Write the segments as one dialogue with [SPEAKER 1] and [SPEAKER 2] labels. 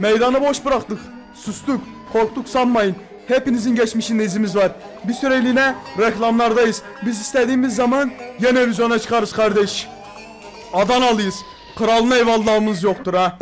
[SPEAKER 1] Meydanı boş bıraktık. Sustuk. Korktuk sanmayın. Hepinizin geçmişinde izimiz var. Bir süreliğine reklamlardayız. Biz istediğimiz zaman yine vizyona çıkarız kardeş. Adanalıyız. Kralına eyvallahımız yoktur ha.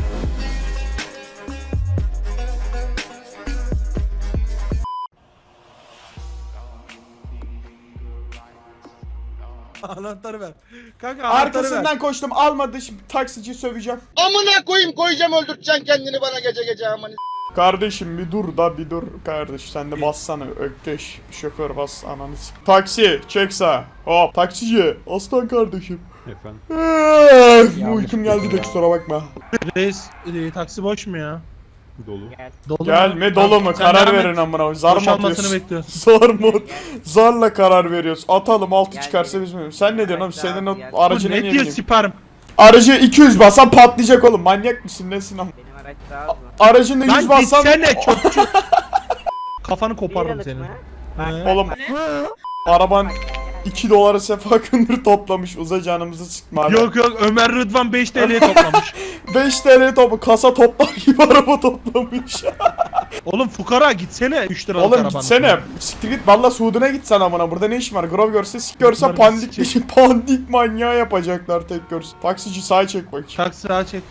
[SPEAKER 2] Anahtarı ver. Kanka anahtarı
[SPEAKER 1] Arkasından
[SPEAKER 2] ver.
[SPEAKER 1] koştum, almadı, şimdi taksici söveceğim.
[SPEAKER 3] Amına koyayım, koyacağım, öldürteceksin kendini bana gece gece aman.
[SPEAKER 1] Kardeşim bir dur da bir dur kardeş, sen de bassana Ökkeş, şoför bas ananı s**. Taksi çek sağa, hop taksici aslan kardeşim.
[SPEAKER 4] Efendim?
[SPEAKER 1] Uykum geldi de kusura bakma.
[SPEAKER 2] Reis taksi boş mu ya?
[SPEAKER 4] Dolu.
[SPEAKER 2] Dolu
[SPEAKER 1] Gelme dolu mu,
[SPEAKER 2] Sen
[SPEAKER 1] karar
[SPEAKER 2] devam et.
[SPEAKER 1] verin amına, zar mı
[SPEAKER 2] Boşalmasını
[SPEAKER 1] atıyorsun?
[SPEAKER 2] bekliyoruz.
[SPEAKER 1] Zar mı? Zarla karar veriyoruz. Atalım, altı çıkarsa biz mi? Sen ne diyorsun oğlum, senin o
[SPEAKER 2] Bu
[SPEAKER 1] aracına
[SPEAKER 2] ne
[SPEAKER 1] niye
[SPEAKER 2] diyor
[SPEAKER 1] bineyim?
[SPEAKER 2] siparım?
[SPEAKER 1] Aracı 200 bassan patlayacak oğlum, manyak mısın nesin am?
[SPEAKER 5] Benim araç daha hızlı.
[SPEAKER 1] Aracını 100
[SPEAKER 2] Lan
[SPEAKER 1] bassan...
[SPEAKER 2] gitsene çöpçü. Kafanı koparırım
[SPEAKER 5] Bir
[SPEAKER 2] senin.
[SPEAKER 5] yıllık mı?
[SPEAKER 2] He.
[SPEAKER 1] Oğlum araban 2 dolara sefa kınır toplamış, uza canımızı sıkma abi.
[SPEAKER 2] Yok yok Ömer Rıdvan 5 TL'ye toplamış.
[SPEAKER 1] 5 TL topu kasa toplar gibi araba toplamış.
[SPEAKER 2] Oğlum fukara gitsene 3 liralık
[SPEAKER 1] Oğlum
[SPEAKER 2] arabanın.
[SPEAKER 1] gitsene, siktir git valla Suud'una git sen amına, burada ne işin var? Grov görse sik görse
[SPEAKER 2] Bunlar
[SPEAKER 1] pandik
[SPEAKER 2] bizi
[SPEAKER 1] dışı pandik manyağı yapacaklar tek görse. Taksici sağa çek bakayım.
[SPEAKER 2] Taksi sağa çek.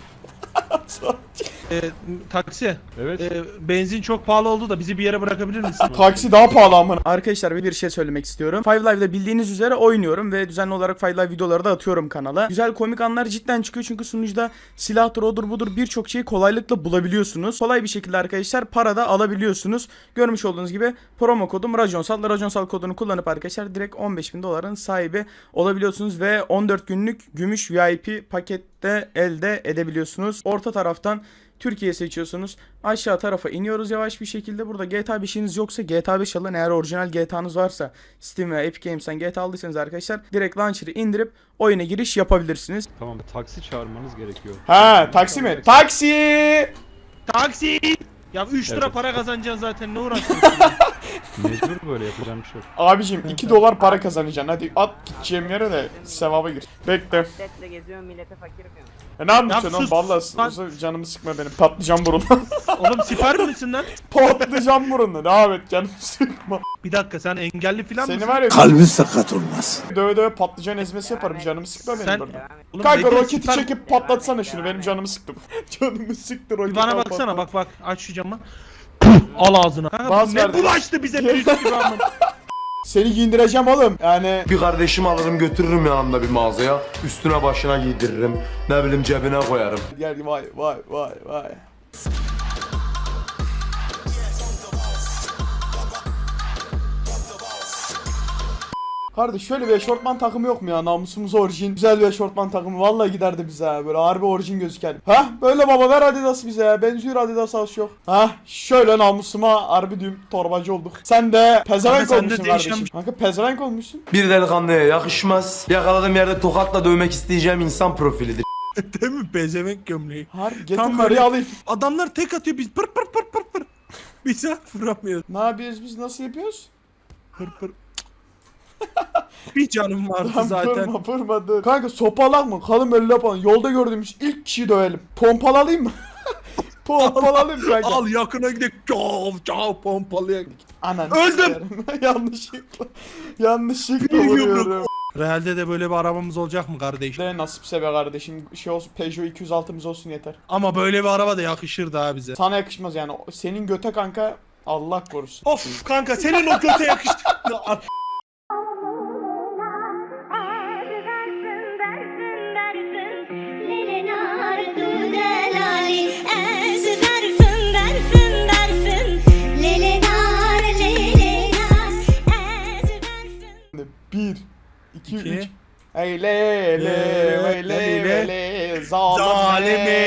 [SPEAKER 2] Taksi.
[SPEAKER 4] Evet.
[SPEAKER 2] Benzin çok pahalı oldu da bizi bir yere bırakabilir misin?
[SPEAKER 1] Taksi daha pahalı amına. Arkadaşlar bir şey söylemek istiyorum. Five Live'da bildiğiniz üzere oynuyorum ve düzenli olarak Five Live videoları da atıyorum kanala. Güzel komik anlar cidden çıkıyor çünkü sunucuda silahtır odur budur birçok şeyi kolaylıkla bulabiliyorsunuz. Kolay bir şekilde arkadaşlar para da alabiliyorsunuz. Görmüş olduğunuz gibi promo kodum Rajonsal. Rajonsal kodunu kullanıp arkadaşlar direkt 15.000 doların sahibi olabiliyorsunuz ve 14 günlük gümüş VIP pakette elde edebiliyorsunuz. Orta taraftan Türkiye seçiyorsunuz. Aşağı tarafa iniyoruz yavaş bir şekilde. Burada GTA 5'iniz yoksa GTA 5 alın. Eğer orijinal GTA'nız varsa Steam veya Epic Games'ten GTA aldıysanız arkadaşlar direkt launcher'ı indirip oyuna giriş yapabilirsiniz.
[SPEAKER 4] Tamam, taksi çağırmanız gerekiyor.
[SPEAKER 1] Ha taksi mi? Taksi!
[SPEAKER 2] Taksi! Ya 3 lira
[SPEAKER 4] Evet.
[SPEAKER 2] para kazanacaksın zaten ne uğraşıyorsun?
[SPEAKER 4] Mecbur böyle, yapacağım bir şey yok.
[SPEAKER 1] Abicim 2 dolar para kazanacaksın. Hadi at gideceğim yere de sevaba gir. Bekle.
[SPEAKER 5] Setle geziyorum millete fakir yapıyorum.
[SPEAKER 1] Ne yapıyorsun
[SPEAKER 2] Ya
[SPEAKER 1] oğlum?
[SPEAKER 2] sus.
[SPEAKER 1] Vallahi canımı sıkma benim. Patlıcan burunla.
[SPEAKER 2] Oğlum sipar mısın lan?
[SPEAKER 1] Patlıcan burunla. Devam et, canımı sıkma.
[SPEAKER 2] Bir dakika sen engelli falan
[SPEAKER 1] Seni
[SPEAKER 2] mısın?
[SPEAKER 1] var ya
[SPEAKER 6] Kalbi sakat olmaz.
[SPEAKER 1] döve döve patlıcan ezmesi yaparım. Canımı sıkma benim
[SPEAKER 2] Sen-
[SPEAKER 1] burada.
[SPEAKER 5] Devam et.
[SPEAKER 2] Oğlum
[SPEAKER 1] Kanka
[SPEAKER 2] bekle,
[SPEAKER 1] roketi
[SPEAKER 2] sipar-
[SPEAKER 1] çekip patlatsana şunu. Benim canımı sıktı. Canımı sıktı roket.
[SPEAKER 2] Bir bana baksana bak aç şu camı. Al ağzına. Kanka
[SPEAKER 1] Bas
[SPEAKER 2] bu ne
[SPEAKER 1] verdi.
[SPEAKER 2] bulaştı bize pis gibi ama.
[SPEAKER 1] Seni giyindireceğim oğlum. Yani
[SPEAKER 7] Bir kardeşimi alırım götürürüm yanımda bir mağazaya. Üstüne başına giydiririm. Ne bileyim cebine koyarım.
[SPEAKER 1] gel vay vay vay vay. Kardeş şöyle bir eşortman takımı yok mu ya, namusumuz orijin. Güzel bir eşortman takımı vallahi giderdi bize ha, böyle harbi orijin gözüken. Hah böyle baba, ver Adidas bize ya, benziyor Adidas az çok. Hah şöyle namusuma harbi düğüm torbacı olduk. Sen de pezevenk
[SPEAKER 2] Kanka, sen de
[SPEAKER 1] olmuşsun
[SPEAKER 2] değişen
[SPEAKER 1] kardeşim.
[SPEAKER 2] bir-
[SPEAKER 1] Kanka pezevenk olmuşsun.
[SPEAKER 7] Bir delikanlıya yakışmaz. Yakaladığım yerde tokatla dövmek isteyeceğim insan profilidir.
[SPEAKER 2] Değil mi pezevenk gömleği?
[SPEAKER 1] Harbi getir
[SPEAKER 2] Tam
[SPEAKER 1] karıyı
[SPEAKER 2] böyle-
[SPEAKER 1] alayım.
[SPEAKER 2] Adamlar tek atıyor biz pır pır pır pır pır. Bir saat vuramıyoruz.
[SPEAKER 1] Ne yapıyoruz biz, nasıl yapıyoruz?
[SPEAKER 2] Pır pır. Bir canım vardı
[SPEAKER 1] Lan
[SPEAKER 2] zaten.
[SPEAKER 1] Vurma dur. Kanka sopalak mı? Kalın böyle yapalım. Yolda gördüğümüz ilk kişiyi dövelim. Pompalı alayım mı? Pompalı alayım kanka.
[SPEAKER 2] Al yakına gidelim. Cav cav pompalıya.
[SPEAKER 1] Anan.
[SPEAKER 2] Öldüm.
[SPEAKER 1] Yanlışlıkla. Yanlışlıkla
[SPEAKER 2] Bir
[SPEAKER 1] vuruyorum.
[SPEAKER 2] Realde de böyle bir arabamız olacak mı kardeş?
[SPEAKER 1] De nasipse be kardeşim. Şey olsun, Peugeot 206'mız olsun yeter.
[SPEAKER 2] Ama böyle bir araba da yakışır daha bize.
[SPEAKER 1] Sana yakışmaz yani. Senin göte kanka Allah korusun.
[SPEAKER 2] Of kanka senin o göte yakıştı.
[SPEAKER 1] Bir, iki,
[SPEAKER 2] İki.
[SPEAKER 1] üç. Ey le le le le zalime.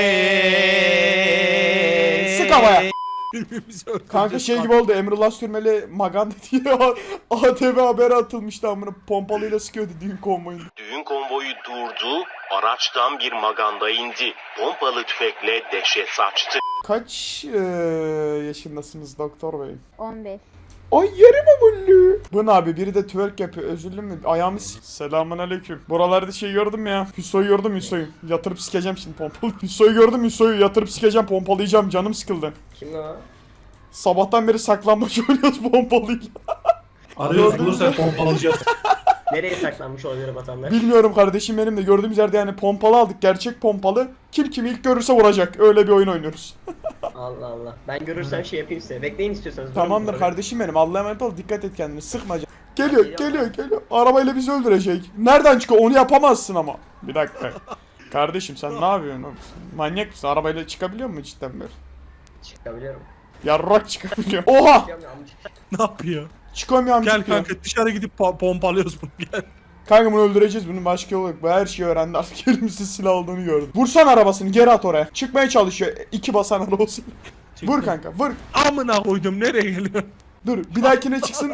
[SPEAKER 1] Sık havaya.
[SPEAKER 2] Birbirimizi öldüreceğiz.
[SPEAKER 1] Kanka şey gibi oldu, Emrullah Sürmeli Maganda diye ATV haberi atılmıştı amına, pompalıyla sıkıyordu düğün konvoyunu.
[SPEAKER 8] Düğün konvoyu durdu, araçtan bir maganda indi. Pompalı tüfekle dehşet saçtı.
[SPEAKER 1] Kaç yaşındasınız doktor bey?
[SPEAKER 9] 15.
[SPEAKER 1] Ay yerim o bunu. Bu ne abi, biri de twerk yapıyor, özürlüm mü? Ayağımı Selamun aleyküm. Buralarda şey gördüm ya. Hüso'yu gördüm, Hüso'yu. Yatırıp sikeceğim şimdi pompalı. Hüso'yu gördüm, Hüso'yu yatırıp sikeceğim, pompalayacağım, canım sıkıldı.
[SPEAKER 3] Kim o?
[SPEAKER 1] Sabahtan beri saklanmaç oynuyoruz pompalıyla.
[SPEAKER 2] Arıyoruz bulursak pompalayacağız.
[SPEAKER 6] Nereye saklanmış olabilir vatandaş?
[SPEAKER 1] Bilmiyorum kardeşim, benim de gördüğümüz yerde yani pompalı aldık, gerçek pompalı. Kim kimi ilk görürse vuracak, öyle bir oyun oynuyoruz.
[SPEAKER 6] Allah Allah. Ben görürsem şey yapayım size. Bekleyin istiyorsanız. durun
[SPEAKER 1] Tamamdır
[SPEAKER 6] burada.
[SPEAKER 1] kardeşim benim, Allah'a emanet ol, dikkat et kendine, sıkma canım. Geliyor. Arabayla bizi öldürecek. Nereden çıkıyor? Onu yapamazsın ama. Bir dakika. Kardeşim sen ne yapıyorsun oğlum? Manyak mısın? Arabayla çıkabiliyor musun cidden böyle?
[SPEAKER 6] Çıkabiliyorum.
[SPEAKER 1] Yarrak çıkabiliyor. Oha!
[SPEAKER 6] Çıkıyorum amca.
[SPEAKER 2] Ne yapıyor?
[SPEAKER 1] Çıkamıyorum.
[SPEAKER 2] Gel
[SPEAKER 1] çıkıyor.
[SPEAKER 2] kanka dışarı gidip pompalıyoruz bunu gel.
[SPEAKER 1] Kanka bunu öldüreceğiz, bunun başka yolu yok. Bu her şeyi öğrendi artık, elimizde silah olduğunu gördüm. Vursan arabasını, geri at oraya. Çıkmaya çalışıyor. 2 basan araba olsun. Vur kanka, vur.
[SPEAKER 2] Amına koydum nereye geliyor?
[SPEAKER 1] Dur, bir dahakine çıksın.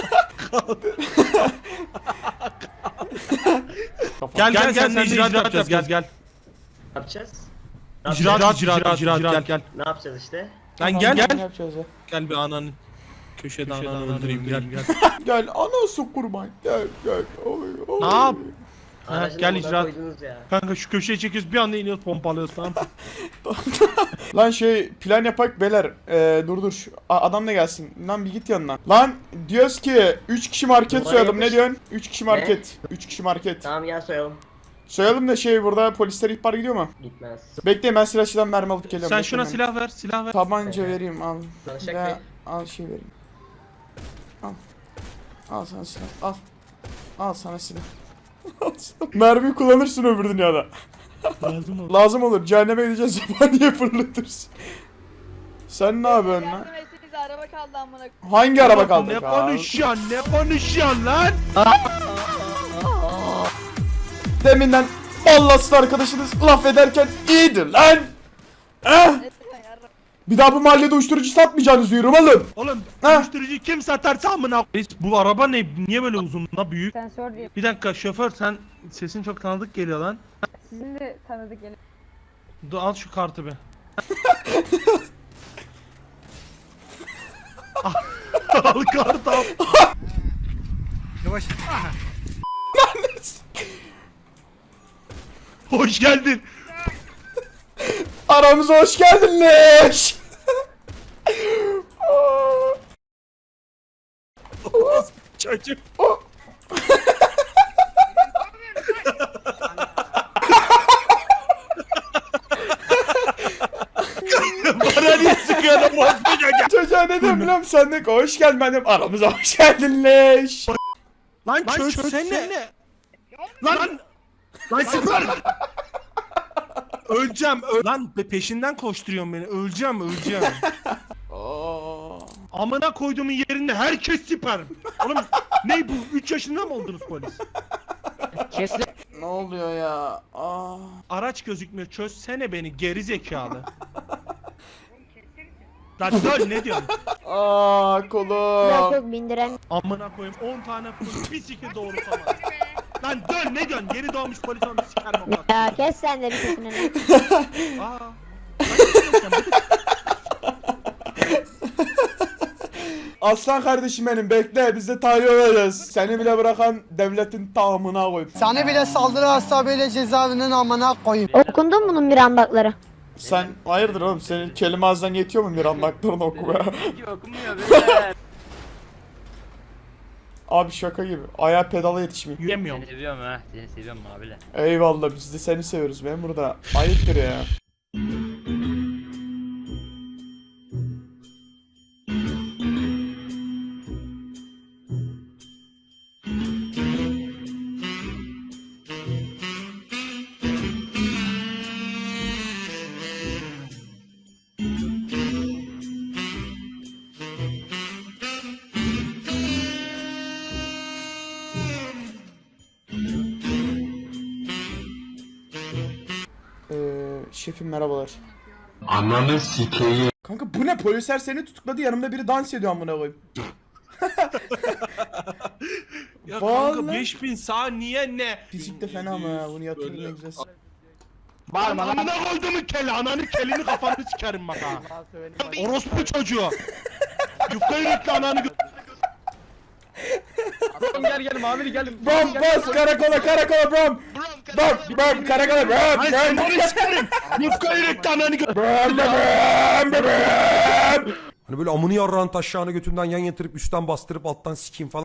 [SPEAKER 2] Gel sen icraat yapacağız gel.
[SPEAKER 6] Ne yapacağız?
[SPEAKER 2] İcraat gel.
[SPEAKER 6] Ne yapacağız işte?
[SPEAKER 2] Lan gel.
[SPEAKER 1] Ne yapacağız ya?
[SPEAKER 2] Gel bir ananı. Köşede ananı öldüreyim gel.
[SPEAKER 1] Gel anası kurban. Gel. Oy.
[SPEAKER 2] Ne yap?
[SPEAKER 6] Aracın
[SPEAKER 2] gel
[SPEAKER 6] amına
[SPEAKER 2] icraat.
[SPEAKER 6] koydunuz ya.
[SPEAKER 2] Kanka şu köşeye çekiyoruz bir anda iniyoruz pompalıyoruz tamam.
[SPEAKER 1] Lan şey plan yapak beyler. Dur. Adam da gelsin. Lan bir git yanına. Lan diyoruz ki 3 kişi market
[SPEAKER 6] Numara
[SPEAKER 1] soyalım. Ne
[SPEAKER 6] yapış.
[SPEAKER 1] diyorsun? 3 kişi market. 3 kişi market.
[SPEAKER 6] Tamam gel soyalım.
[SPEAKER 1] Soyalım da şey, burada polisler ihbar gidiyor mu?
[SPEAKER 6] Gitmez.
[SPEAKER 1] Bekleyin, ben silahçıdan mermi alıp geliyorum.
[SPEAKER 2] Sen
[SPEAKER 1] Bekleyin
[SPEAKER 2] şuna
[SPEAKER 1] beni.
[SPEAKER 2] silah ver.
[SPEAKER 1] Tabanca vereyim al.
[SPEAKER 6] Danışak
[SPEAKER 1] Ve
[SPEAKER 6] Bey.
[SPEAKER 1] al şey vereyim. Al sana silah. Al sana silah. Mermi kullanırsın öbür dünyada.
[SPEAKER 2] Lazım ol.
[SPEAKER 1] Lazım olur. Cehenneme gideceğiz. Zebaniye fırlatırsın. Sen ne yapıyorsun lan?
[SPEAKER 9] Yardım etsenize, araba kaldı amına.
[SPEAKER 1] Hangi araba kaldı?
[SPEAKER 2] Ne konuşuyorsun lan?
[SPEAKER 1] Deminden ballasız arkadaşınız laf ederken iyidir lan.
[SPEAKER 9] Etme yardım.
[SPEAKER 1] Bir daha bu mahallede uyuşturucu satmayacaksınız diyorum oğlum.
[SPEAKER 2] Oğlum
[SPEAKER 1] Ha?
[SPEAKER 2] uyuşturucu kim satarsa amına koyayım. Bu araba ne? Niye böyle uzun la büyük?
[SPEAKER 9] Sensör diye.
[SPEAKER 2] Bir dakika şoför sen sesin çok tanıdık geliyor lan.
[SPEAKER 9] Sizin de tanıdık gelin.
[SPEAKER 2] Dur al şu kartı be. Al kartı al. Yavaş. Hoş geldin.
[SPEAKER 1] Aramıza hoş geldin leş.
[SPEAKER 2] Çocuk. Bana niye sıkıyorsun bu
[SPEAKER 1] Çocuğa ne dedim biliyor musun? Sen de hoş geldin, ben dedim aramıza hoş geldin leş.
[SPEAKER 2] Lan çözsene. Lan sıfır. Öleceğim. Lan peşinden koşturuyorsun beni. Öleceğim. Amına koyduğumun yerinde herkes siper. Oğlum ne bu? 3 yaşında mı oldunuz polis?
[SPEAKER 1] Ne oluyor ya?
[SPEAKER 2] Araç gözükmüyor. Çözsene beni geri zekalı. Lan dön ne diyorsun?
[SPEAKER 1] Kolum.
[SPEAKER 9] Yok bindiren.
[SPEAKER 2] Amına koyayım 10 tane polis bir sikir doğrultamaz. Lan dön ne diyorsun? Geri doğmuş polis olmuş sikerim o kadar.
[SPEAKER 9] Ya kes sen de bir sesini.
[SPEAKER 2] Aa. Sen
[SPEAKER 1] Aslan kardeşim benim, bekle, biz de tahliye olacağız. Seni bile bırakan devletin tamamına koyup.
[SPEAKER 10] Seni bile saldırı hesabıyla cezaevinin amına koyayım.
[SPEAKER 9] Okundun mu bunun mirandakları?
[SPEAKER 1] Sen hayırdır oğlum, senin kelime ağzından yetiyor mu mirandaklarını okumaya?
[SPEAKER 5] Okunmuyor beyler.
[SPEAKER 1] Abi şaka gibi, ayağa pedala yetişmiyor.
[SPEAKER 2] yemiyorum.
[SPEAKER 5] Seviyorum ha. Seni seviyorum abiler.
[SPEAKER 1] Eyvallah, biz de seni seviyoruz memur da. Ayıptır ya. Şefim merhabalar.
[SPEAKER 7] Ananı sikeyim.
[SPEAKER 1] Kanka bu ne, polisler seni tutukladı, yanımda biri dans ediyor amına koyayım.
[SPEAKER 2] Ya
[SPEAKER 1] Vallahi.
[SPEAKER 2] kanka 5000 saniye ne?
[SPEAKER 1] Fizik de fena ama ya, bunu yatırın ne güzel.
[SPEAKER 2] Bağırma lan. Amına koyduğumun keli, ananı kelini kafanı sikerim bak ha. Orospu çocuğu. Yufka yürekli ananı Gel mavili gel.
[SPEAKER 1] Brom bas karakola brom. Brom karakola brom.
[SPEAKER 3] Ay sen polis sikerim. Yufka yürekli ananı
[SPEAKER 11] Hani böyle amını yarrağın taşağını götünden yan yatırıp üstten bastırıp alttan sikeyim falan.